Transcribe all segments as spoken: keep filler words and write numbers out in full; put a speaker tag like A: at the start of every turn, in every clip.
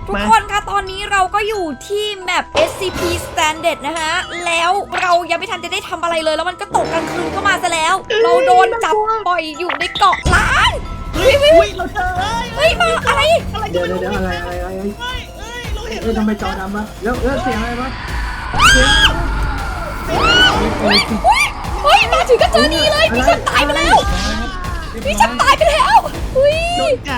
A: ทุกคนคะตอนนี้เราก็อยู่ที่แมป เอส ซี พี Standard นะฮะแล้วเรายังไม่ทันจะได้ทำอะไรเลยแล้วมันก็ตกกลางคืนเข้ามาซะแล้วเราโดนจับปล่อยอยู่ในเกาะล้างเฮ้ยเฮ้ยเราเจอเฮ้ยมาอะไร
B: เดี๋ยวเดี๋ยวอะไรอะไรอะไรเฮ้ยเฮ้ยเราเห็นเฮ้ยทำไมจอดำวะแล้วแล้วเสียงอะไรวะเสียง
A: เฮ้ยมาถึงก็เจอนี่เลยพี่ฉันตายไปแล้วพี่ฉันตายไปแล้วอุ้ย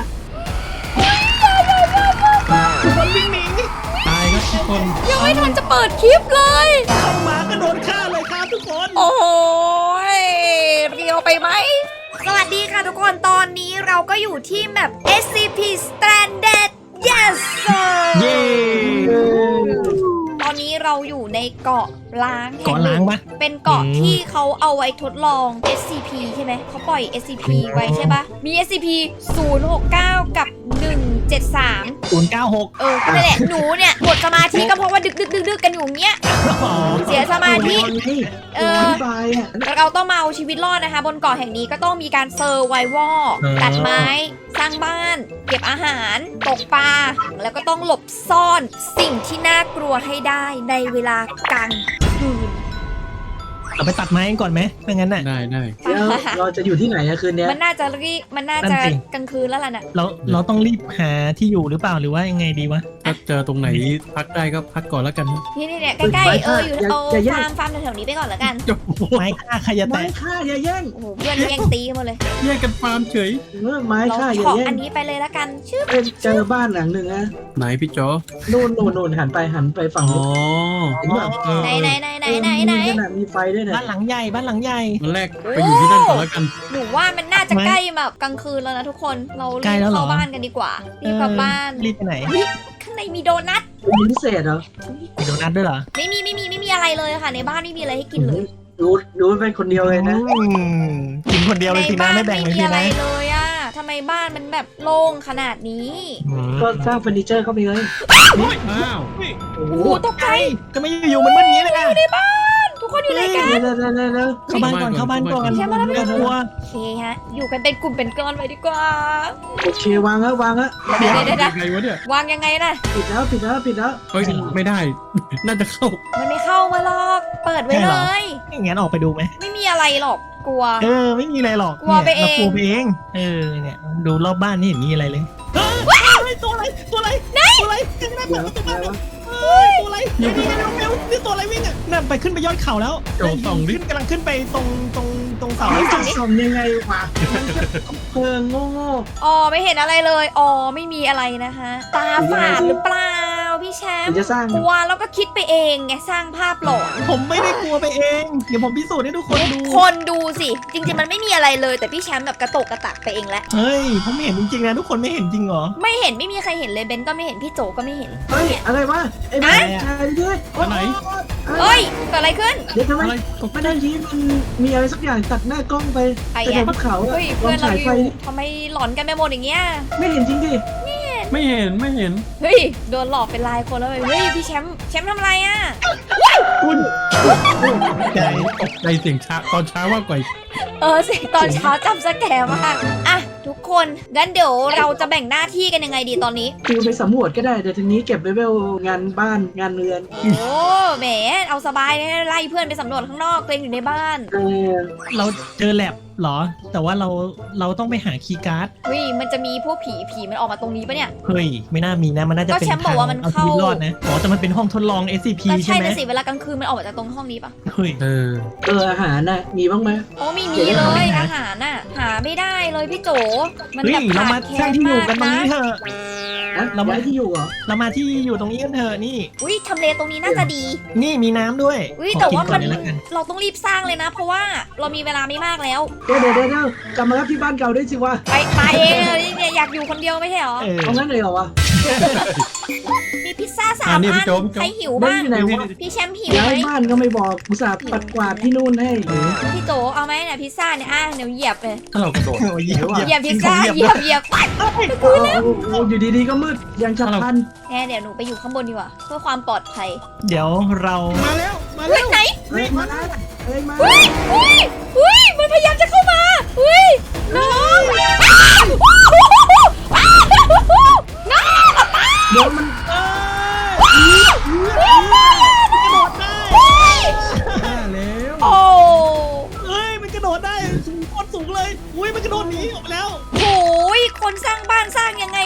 B: ทุกคนวิ่งหนี
C: ตายครับทุกคน
A: ยังไม่ทันจะเปิดคลิปเลย
B: เข้ามาก็โดนฆ่าเลยครับทุกคน
A: โอ้ยเรียวไปไหมสวัสดีค่ะทุกคนตอนนี้เราก็อยู่ที่แมป เอส ซี พี Standard yes sir
C: เย้
A: ตอนนี้เราอยู่ในเกาะล้าง
C: เกาะล้างปะ
A: เป็นเกาะ
C: อืม
A: ที่เขาเอาไว้ทดลอง เอส ซี พี ใช่ไหมเขาปล่อย เอส ซี พี ไว้ใช่ปะมี เอส ซี พี ศูนย์ หก เก้า กับ หนึ่ง เจ็ด สาม
C: ศูนย์เก้าหก
A: เออนั่นแหละหนูเนี่ยหมดสมาธิก็เพราะว่าดึกดึกดึกดึกกันอยู่อย่างเงี้ยเสียสมาธิ เออ
B: อธิบายอ่ะ
A: เราต้องมาเอาชีวิตรอดนะคะ บนเกาะแห่งนี้ก็ต้องมีการเซอร์ไววอลตัดไม้ สร้างบ้าน เก็บอาหาร ตกปลา แล้วก็ต้องหลบซ่อนสิ่งที่น่ากลัวให้ได้ในเวลากลางคืน
C: เราไปตัดไม้กันก่อนไหมไม่งั้นน่ะ
D: ได้ได้
B: เดี๋ยวเราจะอยู่ที่ไหนอะคืนเนี้ย
A: มันน่าจะรีบมันน่า
C: นั่
A: จะ
C: นสิ
A: กลางคืนแล้วล่ะน่ะ
C: เราเราต้องรีบหาที่อยู่หรือเปล่าหรือว่ายังไงดีวะ
D: ถ้าเจอตรงไหนพักได้ก็พักก่อนแล้วกันนะ
A: นี่นี่เนี่ยใกล้ๆเอออยู่เอาฟาร์มฟาร์มแถวๆนี้ไปก่อนแล้วกัน
C: ไม้ฆ่าใครจะแต
B: ไม้
C: ก
B: ฆ่าอย่าแย่ง
A: โอ้โหเพื่อนแย่งตีกันหมดเลย
D: แยกกันฟาร์มเฉย
B: เออไม้
A: เรา
B: ฆ่าอย่า
A: ขอ
B: แย่
A: อั
B: ง
A: นนี้ไปเลยแล้วกันชื่อ
B: เอ้ยเจอบ้านหลังหนึ่งนะ
D: ไหนพี่จอ
B: นู่นนู่นนู่นหันไปหันไปฝั่ง
D: อ๋อ
B: นู้นเห็นป่ะ
C: เออ
A: ไหนไหนไหนไหนไหนไหน
B: มีขนาดมีไฟด้วยนะ
C: บ้านหลังใหญ่บ้านหลังใหญ่
D: มันแรกไปอยู่ที่นั่นก่อนแล้วกัน
A: หนูว่ามันน่าจะ
C: ไม่
A: ใกล้แบบกลางคืนแล้วนะทุกคนเรา
C: ใกล้
A: รีบ
C: แล้วเหรอ
A: เข้าบ้านกันดีกว่ารีบกลับบ้าน
C: เออรีบไปไหน
A: อุ๊ยข้างในมีโดนัท
B: มีพิเศษเหรอ
C: มีโดนัทด้วยเหรอ
A: ไม่มีไม่มีไม่มีอะไรเลยค่ะ ในบ้านไม่มีอะไรให้กินเลย
B: ดูดูเป็นคนเดียวเลยนะ
C: อืมกินคนเดียวเลย
A: ใน
C: สินะ
A: บ้าน
C: ไม่แบ่
A: ไม่
C: งเลย
A: มี
C: สิ
A: อะไร
C: นะ
A: เลยอะทำไมบ้านมันแบบโล่งขนาดนี้
C: อืม
B: ก็สร้างเฟอร์นิเจอร์เข้าไปเลย
D: อ้าว
B: โอ้โห
A: โอ้โหตกใจ
C: ก็ไม่อยู่ๆมันมืดอย่างนี้เลยนะ
A: ในบ้านทุกคนอยู่ไหนกัน
B: เร็วเร็วเร็วเร็วเร็ว
C: เข้าบ้านก่อนเข้าบ้านก่อน
A: แค่มาแล้ว
C: ไม่ต้องกลัว
A: โอเคฮะอยู่กันเป็นกลุ่มเป็นก้อนไว้ดีกว่า
B: โอเควางแล้ววางแล้ว
A: เดี๋ยวเดี๋ยวเดี๋ยว
D: ยังไงวะเนี่ย
A: วางยังไงนะ
B: ปิดแล้วปิดแล้วปิดแล้ว
D: เฮ้ยไม่ได้ น่าจะเข้า
A: มันไม่เข้ามาหรอกเปิดไว้เลย
C: งั้นออกไปดูไหม
A: ไม่มีอะไรหรอกกลัว
C: เออไม่มีอะไรหรอก
A: กลัวไปเอง
C: นี่ยรากลัวไปเองเออเนี่ยดูรอบบ้านนี่เห็นมีอะไรเลยเฮ้ยตัวอะไรตัวอะไรตัวอะไรขึ้นไม่ได้
B: เดี๋
C: เปิ
B: ยว
C: ดประตู
B: อะไร
C: บ้าน
B: วะ
C: เฮ้ยตัวอะไรเร็วเร็วเร็วนี่ตัวอะไรวิ่งอ่ะนั่นไปขึ้นไปยอดเขาแล้ว
D: โจส่องดิ
C: ขึ้นกำลังขึ้นไปตรงตรงตรงเสา
B: เฮ้ย
C: เสา
B: จะส่งยังไงวะเพลิงโง่โง่
A: อ๋อไม่เห็นอะไรเลยอ๋อไม่มีอะไรนะคะตาฝาดหรือเปล่าพี่แชม
B: เดี๋ยว
A: ป์
B: จะสร้าง
A: กลัวแล้วก็คิดไปเองไงสร้างภาพหลอน
C: ผมไม่ได้กลัวไปเองเดี๋ยวผมพิสูจน์ให้ทุกคนดู
A: คนดูสิจริงๆมันไม่มีอะไรเลยแต่พี่แชมป์แบบกระตกกระตักไปเองแล้ว
C: เฮ้ยผมเห็นจริงๆนะทุกคนไม่เห็นจริงเหรอ
A: ไม่เห็นไม่มีใครเห็นเลยเบนก็ไม่เห็นพี่โจก็ไม่เห็น
B: เฮ้ยอะไรวะไอ้บ้า
C: อะไรอะ
B: ชายด้วย
D: อันไหน
A: เฮ้ยเกิดอะไรขึ้น
B: เดี๋ยวทำไม
D: อะไรตก
B: ไม่ได้ทีมันมีอะไรสักอย่างตัดหน้ากล้องไป
A: ใคร
B: ไป
A: อะ
B: บนเขาอะ
A: เฮ้ย
B: ลอ
A: เพื่อง นเรา
B: ฉาย
A: อ
B: ไฟ
A: ยู่ทำไมหลอนกันไปหมดอย่างเงี้ย
B: ไม่เห็นจริงดิ
D: ไม่เห็นไม่เห็น
A: เฮ้ยโดนหลอกเป็นลายคนแล้วเลยเฮ้ยพี่แชมป์แชมป์ทำอะไรอ่ะ
C: คุณใจ
D: ตกใจเสียงช้าตอนเช้าว่ากว่าอีก
A: เออสิตอนเช้าจำสแกมมากอ่ะทุกคนงั้นเดี๋ยวเราจะแบ่งหน้าที่กันยังไงดีตอนนี้
B: คือไปสำรวจก็ได้แต่ทีนี้เก็บเลเวลงานบ้านงานเรือน
A: โอ้แหมเอาสบายเลยไล่เพื่อนไปสำรวจข้างนอกตัวเองอยู่ในบ้าน
B: เออ
C: เราเจอแลบเหรอ แต่ว่าเราเราต้องไปหาคีย์การ์ด
A: เฮ้ยมันจะมีพวกผีผีมันออกมาตรงนี้ปะเนี่ย
C: เฮ้ยไม่น่ามีนะมันน่าจะ
A: ก็
C: เป็น
A: แชมป์บอกว่ามัน
C: เอาชีวิต
A: เข้าร
C: อดนะอ๋อแต่มันเป็นห้องทดลอง เอส ซี พี
A: ก็
C: ใช่
A: ใช่
C: ไหม
A: นะสิเวลากลางคืนมันออกมาจากตรงห้องนี้ปะ
C: เฮ้ย
D: เออ
B: เอออาหารน่ะมีบ้างไหม
A: โอ้ไม่มี
B: เดี๋ยว
A: เล
B: เรา
A: ย
B: หา
A: อาหารน่ะหาไม่ได้เลยพี่โจมัน
C: เฮ้ย
A: แบบ
C: เรา
A: ขา
C: มา
A: ดแคล
C: สร้าง
A: น
C: ที่อยู่
A: มาก
C: กันตรง
A: นะ
C: นี้เถอะ
B: นะ
C: เราไม่
B: ย้ายที่อยู่เหรอ
C: เรามาที่อยู่ตรงนี้กันเถอะนี่
A: อุ้ยทำเลตรงนี้น่าจะดี
C: นี่มีน้ำด้วย
A: อุ้ย
C: ขอ
A: แต่
C: กิ
A: ว่า
C: ก่
A: มั
C: อน เลยละกัน
A: เราต้องรีบสร้างเลยนะ เพราะว่าเรามีเวลาไม่มากแล้ว
B: เดี๋ยวเดี๋ยวเดี๋ยวเดี๋ยวกลับมารับที่บ้านเก่าได้สิวะ
A: ไปไปเองเลยเนี่ยอยากอยู่คนเดียวไม่ใช่หรอ
C: เออ
B: เอางั้นเลยเหรอวะ
A: มีพิซซ่าสา
D: อ่าม นี่
A: อั
D: พี่
A: น
D: โจ๊กพี่
A: ใคร
D: โจ๊ก
A: หิว
B: เบ้
A: บ้าง
B: นที่ไหนวะ
A: พี่แชมป์หิว
B: ย้า
A: ไหม
B: ยบ้านก็ไม่บอกอุตส่าห์ปัดกวาดที่นู่นให้หนู
A: พี่โจเอาไหมเนี่ยพิซซ่าเนี่ยอ่ะเดี๋ยวเหยียบเลย
D: ถ้าเรากระโดด
C: โอ้ยเหยียบ
A: เหยียบพิซซ่า
C: กินของ
A: เหยียบเหยียบ
B: โอ้โหอยู่ดีๆก็มืดยังฉับพลัน
A: แน่เดี๋ยวหนูไปอยู่ข้างบนดีกว่าเพื่อความปลอดภัย
C: เดี๋ยวเรา
D: มาแล้วมา
A: เฮ้
D: แล้
A: ยว ไหน
B: เฮ้ยมาแล้วเฮ้ยมา
A: เฮ้ยเฮ้ยเฮ้ยมันพยายามจะเข้ามาเฮ้ยน้องอ้าวอ้าวน้อง
B: เดี๋ยวมัน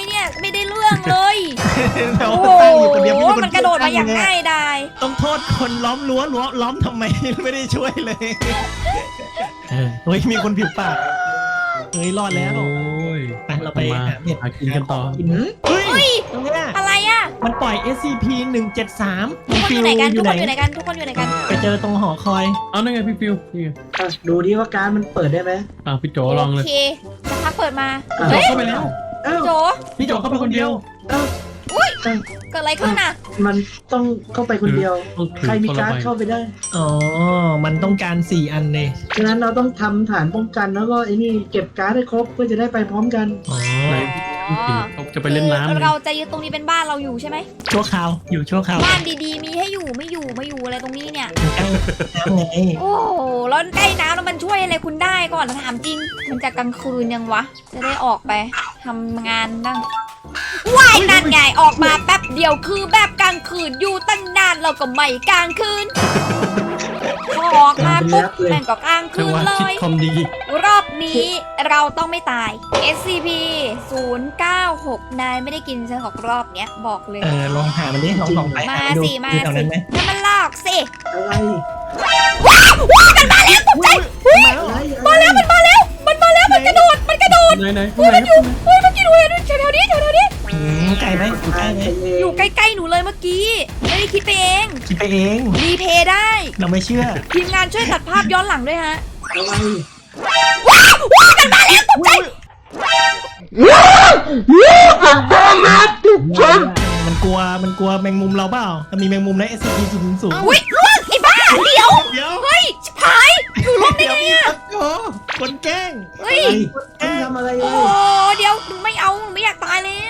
A: เนี่ยไม่ได้เรื่องเลย
C: เรา
A: โอ้โห
C: ตั้งอยู่คนเดียวไค
A: มันกระโดดมาอย่างง่ายดาย
C: ต้องโทษคนล้อมรั้วรั้วล้อมทำไม ไม่ได้ช่วยเลยเออเฮ้ยมีคนผิวปากเฮ้ยรอดแล้ว
D: โอ้ย
C: ไปเราไป
D: มา
C: หาเห็ด
D: หากินกันต่อ
C: กินเฮ้ยตรงเนี้ย
A: อะไรอ่ะ
C: มันปล่อย เอส ซี พี หนึ่งเจ็ดสาม
A: ทุกคนอยู่ไหนกันทุกคนอยู่ไหนกันทุกคนอยู่ไหนกัน
C: ไปเจอตรงหอคอย
D: เอานั่นไงพี่ฟิวนี่ไง
B: อ่ะดูดิว่าการดมันเปิดได้ไหม
D: อ่ะพี่โจลองเลย
A: โอเคสักพักเปิดมา
B: อ่ะ
A: เฮ้ย
D: เข้าไปแล้ว
B: เอ้า
A: โจ
D: พี่โจเข้าไปคนเดียว
B: เอ้า
A: อุ้ย
B: เอ้า
A: เกิดอะไรขึ้นอ่ะ
B: มันต้องเข้าไปคนเดียว
D: ต้องถือ
B: ใครมี
D: คนละ
B: การ์ด
D: ใบ
B: เข้าไปได้
C: อ๋อมันต้องการสี่อันเลย
B: ฉะนั้นเราต้องทำฐานป้องกันแล้วก็ไอ้นี่เก็บการ์ดให้ครบเพื่อจะได้ไปพร้อมกัน
C: อ๋อ
D: ไหนพี่กินเขาจะไปเล่นน้ำ
A: คือ
D: เลย
A: เราจะยึดตรงนี้เป็นบ้านเราอยู่ใช่ไหม
C: ชั่วคราวอยู่ชั่วคราว
A: บ้านดีๆมีให้อยู่ไม่อยู่ไม่อยู่อะไรตรงนี้เนี่ย
C: ใกล้น้ำไง
A: โอ้โหแล้วใกล้น้ำแล้วมันช่วยอะไรคุณได้ก่อนถามจริง มันจะกลางคืนยังวะ จะได้ออกไปทำงานบ้างว่ายนั่นไงออกมาแป๊บเดียวคือแบบกลางคืนอยู่ตั้งนานเราก็ไม่กลางคืนพอออกมาปุ๊บแม่งก็กลาง
D: เธ
A: คื
D: อน ว่า
A: เล
D: คิด
A: ย
D: คอมดี
A: รอบนี้เราต้องไม่ตาย เอส ซี พี ศูนย์เก้าหก นายไม่ได้กินฉันหรอกรอบเนี้ยบอกเลย
C: เออลองหามันดิลองส่องไป
A: มา
C: หดู
A: สิมา
C: ดูแถว
A: สิ
C: นั้นไหม
A: นั่นมันลอกสิ
B: อะไร
A: ว้าวว้าวมันมาแล้วตกใจ
C: มาแล้ว
B: อะไร
A: มาแล้วมันมาแล้วมันมาแล้วมันกระโดดมันกระโดด
D: ไหนไหนข้างไหนครับ
A: เฮ้ยเมื่อกี้หนูเห็นแถวๆนี้แถวๆนี้
C: อืมไกลไหมอยู่ใกล้ไหม
A: อยู่ใกล้ๆหนูเลยเมื่อกี้ไม่ได้คิดไปเอง
C: คิดไปเอง
A: รีเพย์ได้
C: เราไม่เชื่อ
A: ทีมงานช่วยตัดภาพย้อนหลังด้วยฮะ
B: อะไร
A: ว้าวว้าวมันมาแล้วตกใจ
C: มันกลัวมันกลัวแมงมุมเราเปล่ามันมีแมงมุมใน เอส ซี พี สูงสูง
A: อุ้ยล่วงไอ้บ้าเดี๋ยว
C: เดี๋ยว
A: เฮ้ยชิบหายหนูล่วงได้ไงอะ
C: โอ้คนแกล้ง
A: เฮ้ย
B: ไม่ทำอะไรเล
A: โอ้
B: ย
A: เดี๋ยวหนูไม่เอาหนูไม่อยากตายแล้ว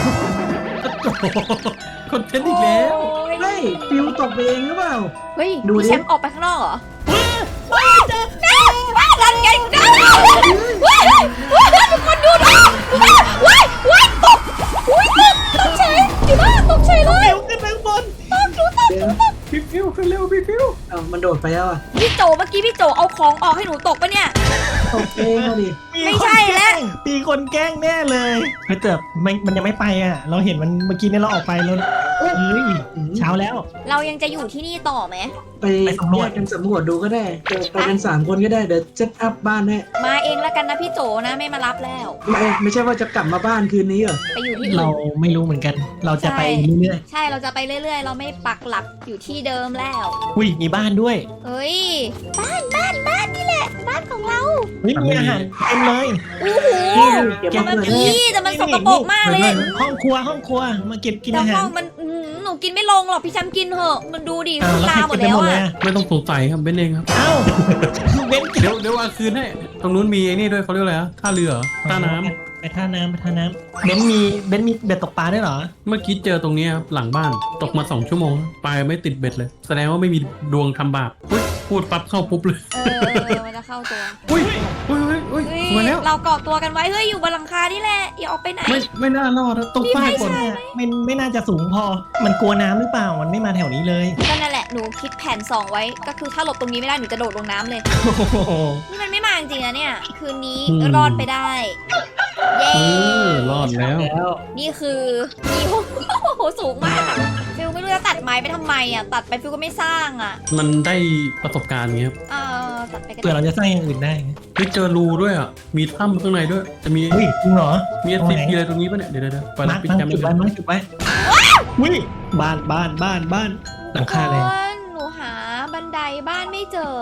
D: คอนเทนต์อีกแล้ว
A: โอ้ย
B: เฮ้ยฟิวตกไปเองหรือเปล่า
A: เฮ้ย
B: ดูดิ
A: พี่แชมป์ออกไปข้างนอกเหรอว้าวว้าวว้าวนั่นไงว้าวว้าวว้าวทุกคนดูนะว้าวว้าวว้าวตกอุ้ยตกตกเฉยอยู่บ้านตกเฉยเลย
C: เร็วขึ้นไปข้างบน
A: ตกดูตก
B: เดี๋ยว
D: พี่ฟิวขึ้นเร็วพี่ฟิว
B: เอ้ามันโดดไปแล้วอ่ะ
A: พี่โจเมื่อกี้พี่โจเอาของออกให้หนูตกปะเนี่ย
B: ตกเองอะดิ
A: ไม่ใช่แล้ว
C: มีคนแกล้งแน่เลยเฮ้ยแต่ไม่มันยังไม่ไปอ่ะ เราเห็นมันเมื่อกี้เนี่ยเราออกไปแล้วเฮ้ยเช้าแล้ว
A: เรายังจะอยู่ที่นี่ต่อไหม
B: ไป
C: ไปสำรวจ
B: แยกกันสำรวจดูก็ได้เดี๋ยวไปกันสามคนก็ได้เดี๋ยวเซตอัพบ้านให้
A: มาเองแล้วกันนะพี่โจนะไม่มารับแล้ว
B: ไม่ไม่ใช่ว่าจะกลับมาบ้านคืนนี้เหรอ
A: ไปอยู่ที่
C: เรา
A: อื่น
C: ไม่รู้เหมือนกัน เราจะไปเรื่อย
A: ใช่เราจะไปเรื่อยๆ เราไม่ปักหลักอยู่ที่เดิมแล้ว
C: ๆอุ้ยมีบ้านด้วย
A: เอ้ยบ้านบ้านบ้านนี่แหละ บ้านของเรา
C: เฮ้ยมีอาหารเต็มเลย
A: โอ้โห
B: เก็บ
A: แต่
B: มา
A: มัน
B: เผื่อ
A: อีแต่มันสกปรกมากเลย
C: ห้องครัวห้องครัวมาเก็บกิน
A: แต่
C: อาหา
A: ห้
C: ร
A: องมันอื้อหือหนูกินไม่ลงหรอกพี่แชมป์กินเถอะมันดูดิ
C: อ้าว
A: คุณ
C: แล้ว
A: ลา
C: ใคร
A: หม
C: กิ
A: ด
C: นไป
A: แล้ว
C: หมดเลย
A: อ่ะ
C: อะ
D: ไม่ต้องสงสัยครับเบนเองครับ
C: เอ้าเบน
D: เดี๋ยวเดี๋ยวเอาคืนให้ตรงนู้นมีไอ้นี่ด้วยเขาเรียกอะไรอะท่าเรือเหรอท่าน้ำ
C: ไปท่าน้ำไปท่าน้ำเบนมีเบนมีเบ็ดตกปลาด้วยเหรอ
D: เมื่อกี้เจอตรงนี้ครับหลังบ้านตกมาสองชั่วโมงปลาไม่ติดเบ็ดเลย แสดงว่าไม่มีดวงทำบาปอุ๊ยพูดปั๊บเข้าปุ๊บเลย
A: เออมันจะเข้าตัว
D: อุ้ยอุ้ยอุ้ยอุ้ย
A: เฮ้ย
D: สวยแล้ว
A: เราเกาะตัวกันไว้เฮ้ยอยู่บนหลังคานี่แหละอย่าออกไปไหน
D: ไม่ไม่น่ารอดนะต้องป้ายก่อน
C: ไม่ไม่น่าจะสูงพอ มันกลัวน้ำหรือเปล่ามันไม่มาแถวนี้เลย
A: ก็นั่นแหละหนูคิดแผนสองไว้ก็คือถ้าหลบตรงนี้ไม่ได้หนูจะโดดลงน้ำเลย
C: โอ้โห
A: นี่มันไม่มาจริงๆนะเนี่ย คืนนี้รอดไปได้ เย้
D: เออรอดแล้ว
B: แล้ว
A: นี่คือมีโอ้โหสูงมากฟิลไม่รู้จะตัดไม้ไปทำไมอ่ะ ตัดไปฟิลก็ไม่สร้างอ่ะ
D: มันได้ประสบการณ์ไงครับ
A: เออตัดไปกัน
C: เผื่อเราจะสร้างอย่างอื่นได้
D: เฮ้ยเจอรูด้วยอ่ะมีถ้ำข้างในด้วยจะมี
C: เฮ้ยจริงเหรอ
D: มี
C: ตรงไหน
D: ซีพีอะไรตรงนี้ป่ะเนี่ยเดี๋ยวเดี๋ยวเดี๋ยวไป
C: มา
D: รั
C: ร์
D: บ
C: ค
D: พี่
C: มา
D: แช
C: ร์
D: ม
C: ค
D: ป์
C: จุดไว้มาร์คจุดไว้อุ้ยบ้านบ้านบ้านบ้านหลังคาเลย
A: ทุกคนหนูหาบันไดบ้านไม่เจอก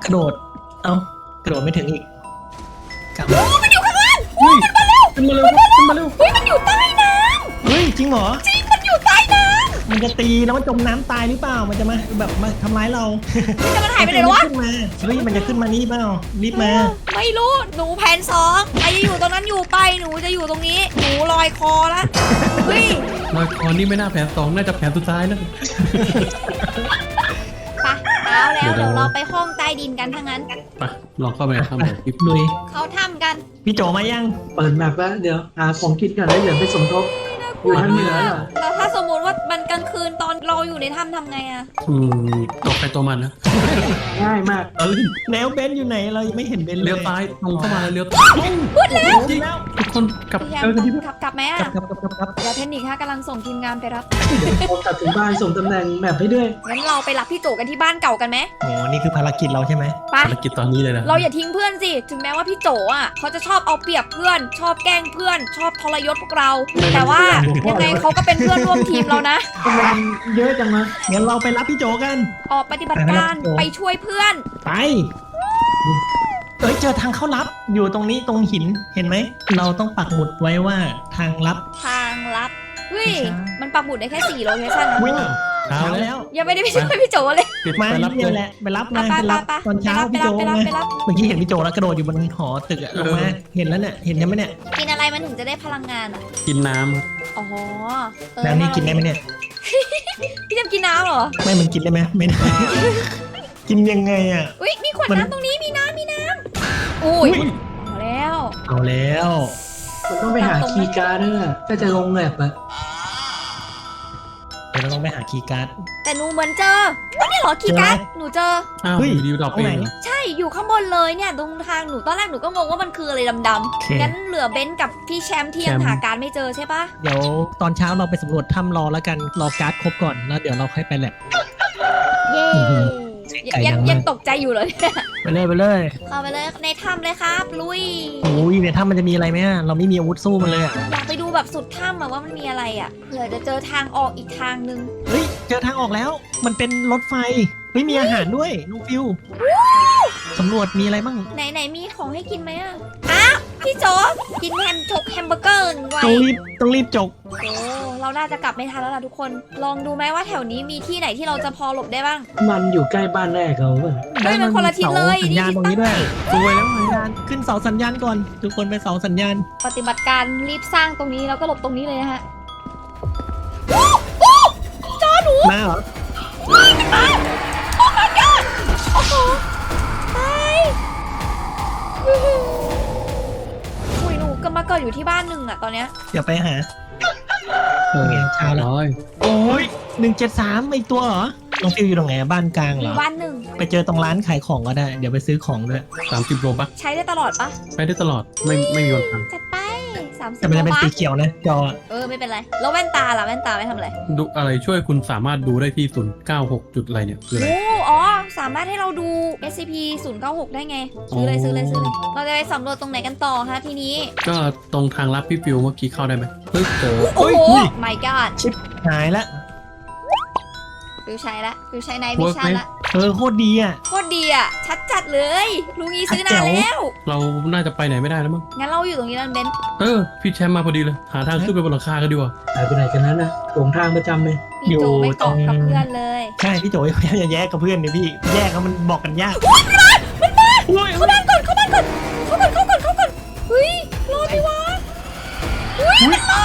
C: ระโดด เอ้ากระโดดไม่ถึงอีกกลับมา
A: มันอยู่ข้างล่าง
D: เฮ้ยขึ้นมาเร็วขึ้นมาเร็ว
A: เฮ้ยมันอยู่ใต้น้
C: เฮ้ยจริงเหรอ
A: ำจริงมันอยู่ใต้น้
C: มันจะตีแล้วมันจมน้ำตายหรือเปล่า มันจะมาแบบมาทำร้ายเรา
A: ำนี่จะมันหายไปไหนแล้ววะ
C: ขึ้นมาเฮ้ยมันจะขึ้นมานี่เปล่ารีบมา
A: ไม่รู้หนูแผนสองใครจะอยู่ตรงนั้นอยู่ไปหนูจะอยู่ตรงนี้ หนูลอยคอละเฮ้ย
D: ลอยคอนี่ไม่น่าแผนสองน่าจะแผนสุดท้ายนะ
A: ไปเช้าแล้ว
D: เดี๋ยว
A: เดี๋ยวเราไปห้องใต้ดินกันทั้งนั้น
D: ไปลองเข้าไปทำแบบคลิป
C: ลุย
A: เขาทำกัน
C: พี่โจมายัง
B: เปิดแมปแล้วเดี๋ยวหาของกินก่อนแล้วเดี๋ยวไปสมทบ
A: น่าก
B: อยู่ทางเหนือเหรอ
A: แล้วถ้าสมมติว่ามันกลางคืนตอนเราอยู่ในถ้ำทำไงอะ
D: อืมตกไปตัวมันนะ
B: ง่ายมาก
C: เราเล่นแนวเบนซ์อยู่ไหนเรายังไม่เห็นเบนซ์เลย
D: เลี้ยวซ้ายตรงเข้ามาแล้วเลี้ยว
A: พูดแล้ว
C: จริงแล้ว
D: ทุกคนกลับ
A: พี่แฮ
C: เออกันที่
A: มขับกลับไหมอะ
C: ครับครับครับครับ
A: เดี๋ยวเทคนิคค่ะกำลังส่งทีมงานไปรับ
B: เดี๋ยวพอกลับถึงบ้านส่งตำแหน่งแมปให้ด้วย
A: งั้นเราไปรับพี่โจกันที่บ้านเก่ากันไหม
C: โอ้นี่คือภารกิจเราใช่ไหม
A: ไป
D: ภารกิจตอนนี้เลยนะ
A: เราอย่าทิ้งเพื่อนสิ ถึงแม้ว่าพี่โจอ่ะเขาจะชอบเอาเปรียบเพื่อน ชอบแกล้งเพื่อน ชอบทรยศพวกเรา แต่ว่ายังไงเขาก็เป็นเพื่อนร่วมทีมเรานะ
B: ทำไมมันเยอะจังวะ
C: งั้นเราไปรับพี่โจกัน
A: ออกปฏิบัติการไปช่วยเพื่อน
C: ไป เอ้ยเจอทางเข้าลับอยู่ตรงนี้ตรงหินเห็นไหมเราต้องปักหมุดไว้ว่าทางลับ
A: ทางลับเฮ้ย
C: ใช่
A: มันปักหมุดได้แค่สี่โลเคชั่นนะ
C: วิ่ง
D: เช้า
C: เช้า
D: แล้
C: แล้ว ว
A: ยังไม่ได้ไปช่วยพี่โจเลย
D: ปิด
C: มา
D: ไปรับ
C: เนี่
D: เลย ย
C: แหละไปรับ
A: ไป
C: มา
A: ไป
C: ไปรับ
A: ไป
C: ตอนเช้า
A: ไป
C: พี่
A: รั
C: โจ
A: บไปรับ
C: ไง
A: ไปรับ
C: เมื่อกี้เห็นพี่โจแล้วกระโดดอยู่บนหอตึกอะลงมาเห็นแล้วเนี่ยเห็นยังไหมเนี่ย
A: กินอะไรมันถึงจะได้พลังงานอ่ะ
D: กินน้
A: อ๋อเออ
C: แล้วนี่กินได้ไหมเนี่ย
A: พี่จำกินน้ำเหรอ
C: ไม่มันกินได้ไหมไม่ได้ กินยังไงอ่ะ
A: อุ้ยมีขวด
C: มัน
A: น้ำตรงนี้มีน้ำมีน้ำอุ้ยเอาแล้ว
C: เอาแล้ว
B: มันต้องไปหาคีย์การ์ดเนี่ยถ้าจะลงแมปอะ
C: เดี๋ยวเราต้องไปหาคีย์การ์ด
A: แต่หนูเหมือนเจอว่านี่เหรอคีย์การ์ดหนูเจอ
D: ำอ้าว
C: เฮ้ย
D: อยู่ดีดอก
C: เอาไหน
D: เองเหรอ
A: ใช่อยู่ข้างบนเลยเนี่ยตรงทางหนูตอนแรกหนูก็งงว่ามันคืออะไรดำ
C: โอเค
A: ๆงั้นเหลือเบนซ์กับพี่แชมป์ที่ยัง
C: แชมป์
A: หาการไม่เจอใช่ปะ
C: เดี๋ยวตอนเช้าเราไปสำรวจถ้ำรอแล้วกันรอการ์ดครบก่อนแล้วเดี๋ยวเราค่อยไปแลบ
A: เย้
C: อื้อหือไก่
A: ยัง
C: ดังมาก
A: ยังตกใจอยู่เลย
C: ไปเลยไปเลย
A: เข้าไปเลยในถ้ำเลยครับลุย
C: โอ้ยในถ้ำมันจะมีอะไรไหมอะเราไม่มีอาวุธสู้มันเลยอะ
A: อยากไปดูแบบสุดถ้ำอะว่ามันมีอะไรอะเผื่อจะเจอทางออกอีกทางนึง
C: เฮ้ยเจอทางออกแล้ว มันเป็นรถไฟเฮ้ยมีอาหารด้วยน้องฟิวสำรวจมีอะไรบ้าง
A: ไหนไหนมีของให้กินไหมอะอ้าวพี่โจกินแฮมชกแฮมเบอร์เกอร์ไว้
C: ต้องรีบต้องรีบจก
A: โอ้เราน่าจะกลับไม่ทันแล้วล่ะทุกคน ลองดูไหมว่าแถวนี้มีที่ไหนที่เราจะพอหลบได้บ้าง
B: มันอยู่ใกล้บ้านแรกเราป่ะ
A: เฮ้ยมันคนละทิศเลย
C: สัญญาณตรงนี้ด้วย
D: สวยแล้วไง
C: สัญญาณขึ้นเสาสัญญาณก่อน ทุกคนไปเสาสัญญาณ
A: ปฏิบัติการรีบสร้างตรงนี้แล้วก็หลบตรงนี้เลยนะฮะ
C: มาเหรอ
A: โอ้ my god โอ้โหตายอุ้ยหนูก็มาเกิดอยู่ที่บ้านหนึ่งอะตอนเนี้ย
C: เดี๋ยวไปหา
D: เออ
C: เช้าแล้ว
D: ร้อย
C: โอ้ยหนึ่งเจ็ดสามอีกตัวเหรอน้องฟิวอยู่ตรงไหนบ้านกลางเห
A: มี
C: รอ
A: บ้านหนึ่ง
C: ไปเจอตรงร้านขายของก็ได้ เดี๋ยวไปซื้อของด้วย
D: สามสิบโลบัก
A: ใช้ได้ตลอดปะ
D: ใช้ได้ตลอดไม่ไม่มีวันพัง
A: จัดไปสามสิบ
C: แต่มันจะเป็น
A: โล
C: สี
A: บัค
C: เขียวนะจอ
A: เออไม่เป็นไร แล้วแว่นตาล่ะแว่นตาไม่ทำอะไร
D: ดูอะไรช่วยคุณสามารถดูได้ที่ศูนย์เก้าหกจุดอะไรเนี่ยคืออะไร
A: โอ้อ๋อ สามารถให้เราดู เอส ซี พี ศูนย์เก้าหก ได้ไง ซื้อเลยซื้อเลยซื้อเลย เราจะไปสำรวจตรงไหนกันต่อฮะทีนี้
D: ก็ตรงทางลับพี่ฟิวเมื่อกี้เข้าได้ไหมเฮ้ยเจอ
A: โอ้โห
C: อุ้ย
A: my god
C: หายละ
A: ฟิวใช้ละฟิวใช้ในวิชั่นละ
C: เออโคตรดีอ่ะ
A: โคตรดีอ่ะ ชัดจัดเลยลุงอีซื้อนานแล้ว
D: เราน่าจะไปไหนไม่ได้แล้วมั้ง
A: งั้นเราอยู่ตรงนี้แล้วเบนซ์
D: เออพี่แชมป์มาพอดีเลยหาทางขึ้นไปบนหลังคากันดีกว่า
B: หายไปไหนกันนั้นนะหลงทางประจำเลย
A: พี่โจไม่เกาะกับเพื่อนเลย
C: ใช่พี่โจยพยายามจะแยกกับเพื่อนเนี่ยพี่ แยกแล้วมันบอกกันยาก
A: เข้าบ้านก่อนเข้าบ้านก่อนเข้าก่อนเข้าก่อนเข้าก่อนเฮ้ยรอดดิวะเฮ้ยมันมา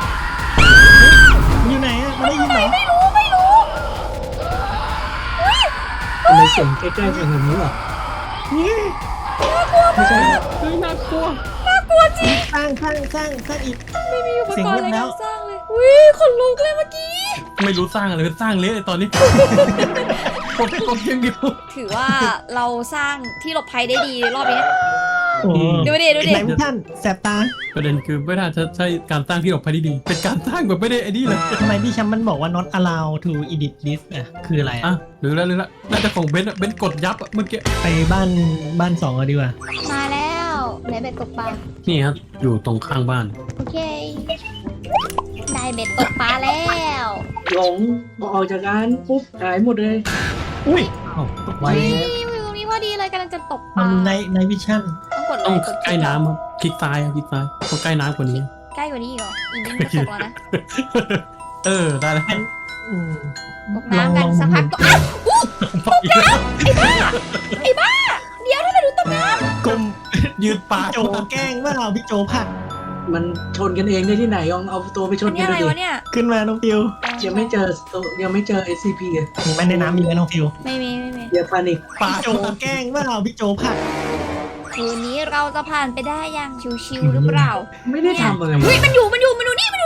C: อยู่ไหนอ่ะมันได้ยินเหรอ
A: ไม่รู้ไม่รู้
B: ทำไมเสียงใกล้ๆกันแบบนี้วะไม่ใช่
D: เฮ้ยน่ากลัว
A: น่ากลัวจริง
C: สร้างสร้างสร้างสร้างอีก
A: ไม่มีอุป
C: เสียง
A: กรณ์
C: เงี
A: ใน
C: ยบแล้
A: กาว รสร้างเลยอุ้ยขนลุกเลยเมื่อกี้
D: ไม่รู้สร้างอะไรสร้างเละเลยตอนนี้ กดกดเพียงเดียว
A: ถือว่าเราสร้างที่หลบภัยได้ดีรอบนี้
C: โอ้
A: ดูดิดูดิ
C: ไหนท่านแสบตา
D: ประเด็นคือไม่น่าจะใช่การสร้างที่หลบภัยที่ดี เป็นการสร้างแบบไม่ได้ไอ้นี่เลย
C: ทำไมพี่แชมป์มันบอกว่า not allow to edit list อ่ะ คืออะไร
D: อ่ะ
C: อ่ะ
D: หรือแล้วหรือแล้วน่าจะของเบนซ์อะเบนซ์กดยับอะเมื่อกี้
C: ไปบ้านบ้านสองกันดีกว่า
A: มาแล้วไหนเบ็ดตกปลา
D: นี่ครับอยู่ตรงข้างบ้าน
A: โอเค ได้เบ็ดตกปลาแล้ว
B: หลงพอออกจากร้านปุ๊บหายหมดเลย
C: อุ้ย
D: อ้าว
B: ไว
A: นี่
B: แล้ว
A: อยู่ตรงนี้พอดีเลยกำลังจะตกป
C: มั
A: ลาน
C: ในในวิชั่น
A: ต้องกด
D: ต้อง
A: ไลค์กด
D: ใกล้น้ำครับคลิกซ้ายครับคลิกซ้ายต้องใกล้น้ำกว่านี้
A: ใกล้กว่านี้อีกเหรออีกนิดนึงจะตกแล้วนะ
D: เออได้แล้ว
C: อืม
A: ตกน้ำกัน
C: ลอง
A: สักพัก
C: ลอง
A: ก็อ้าวอู้ตกน้ำไอ้บ้าไอ้บ้า เดี๋ยวทำไมดูตกน้
C: กลม
D: ยืดปาก
C: โจแกล้งว่าเราพี่โจผัก
B: มันชนกันเองได้ที่ไหนลองเอาตัวไปช
A: ำอั
B: น
A: น
B: กั
A: นี้
B: น
A: อะไร
B: ดู
A: วะ
B: ดิ
A: เนี่ย
C: ขึ้นมาน้องฟิว
B: ยังไม่เจอตัวยังไม่เจอ เอส ซี พี อ่ะ
C: มีไหมในน้ำมีไหมน้องฟิว
A: ไม่มีไม่มี
B: อย่าพานิก
D: ปา
C: พี่
D: ก
C: โจแกล้งว่าเราพี่โจผัก
A: คืนนี้เราจะผ่านไปได้อย่างชิวๆหรือเปล่า
B: ไม่ได้ทำอะไร
A: เฮ้ยมันอยู่มันอยู่มันอยู่นี่มันอยู่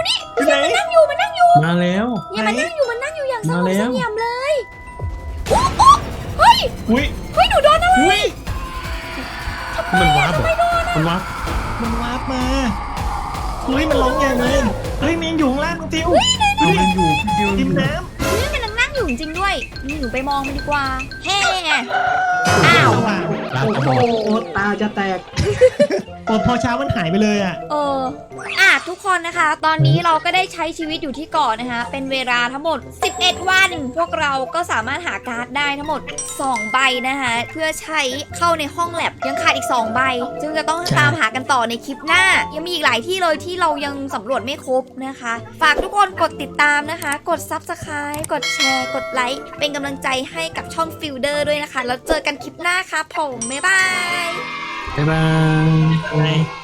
A: อยู่นี่
C: อยู่ไหน
A: นั่งอยู่มันนั่งอยู่
D: มาแล้ว
A: เนี่ยมันนั่งอยู่มันนั่งอยู่อย่างสง
D: มา
A: บ
D: แล้ว
A: เสงี่ยมเลยโอ้โอ้เฮ้ย
C: อุ้ย
A: เฮ้ยหนูโดนอะไร
C: อุ้ย
D: มันวาร์ปเหรอมันวาร์ป
C: มันวาร์ปมาเฮ้ยมันร้องใหญ่เลยเฮ้ยมันยังอยู่ข้างล่างน้องทิว
D: เอามันอยู่พี่ดิว
C: ริมน้
A: นี่มันนั่งอยู่จริงๆด้วยนี่หนูไปมองมันดีกว่าแฮ่อ้าว
C: ำสว่าง
D: ลา
B: โอ้
D: กระ
B: โห
D: บอก
B: ตาจะแตก
C: โอ้พอเช้ามันหายไปเลยอ่ะ
A: เอออ่ะทุกคนนะคะ ตอนนี้เราก็ได้ใช้ชีวิตอยู่ที่เกาะนะคะ เป็นเวลาทั้งหมด สิบเอ็ด วัน พวกเราก็สามารถหาการ์ดได้ทั้งหมด สอง ใบนะคะ เพื่อใช้เข้าในห้องแลบยังขาดอีก สอง ใบ จึงจะต้องตามหากันต่อในคลิปหน้า ยังมีอีกหลายที่เลยที่เรายังสำรวจไม่ครบนะคะ ฝากทุกคนกดติดตามนะคะ กด ซับสไครบ์ กดแชร์ กดไลค์ เป็นกำลังใจให้กับช่องฟิลเดอร์ด้วยนะคะ แล้วเจอกันคลิปหน้าค่ะผมบ๊ายบาย
D: บ๊ายบาย
C: อะไร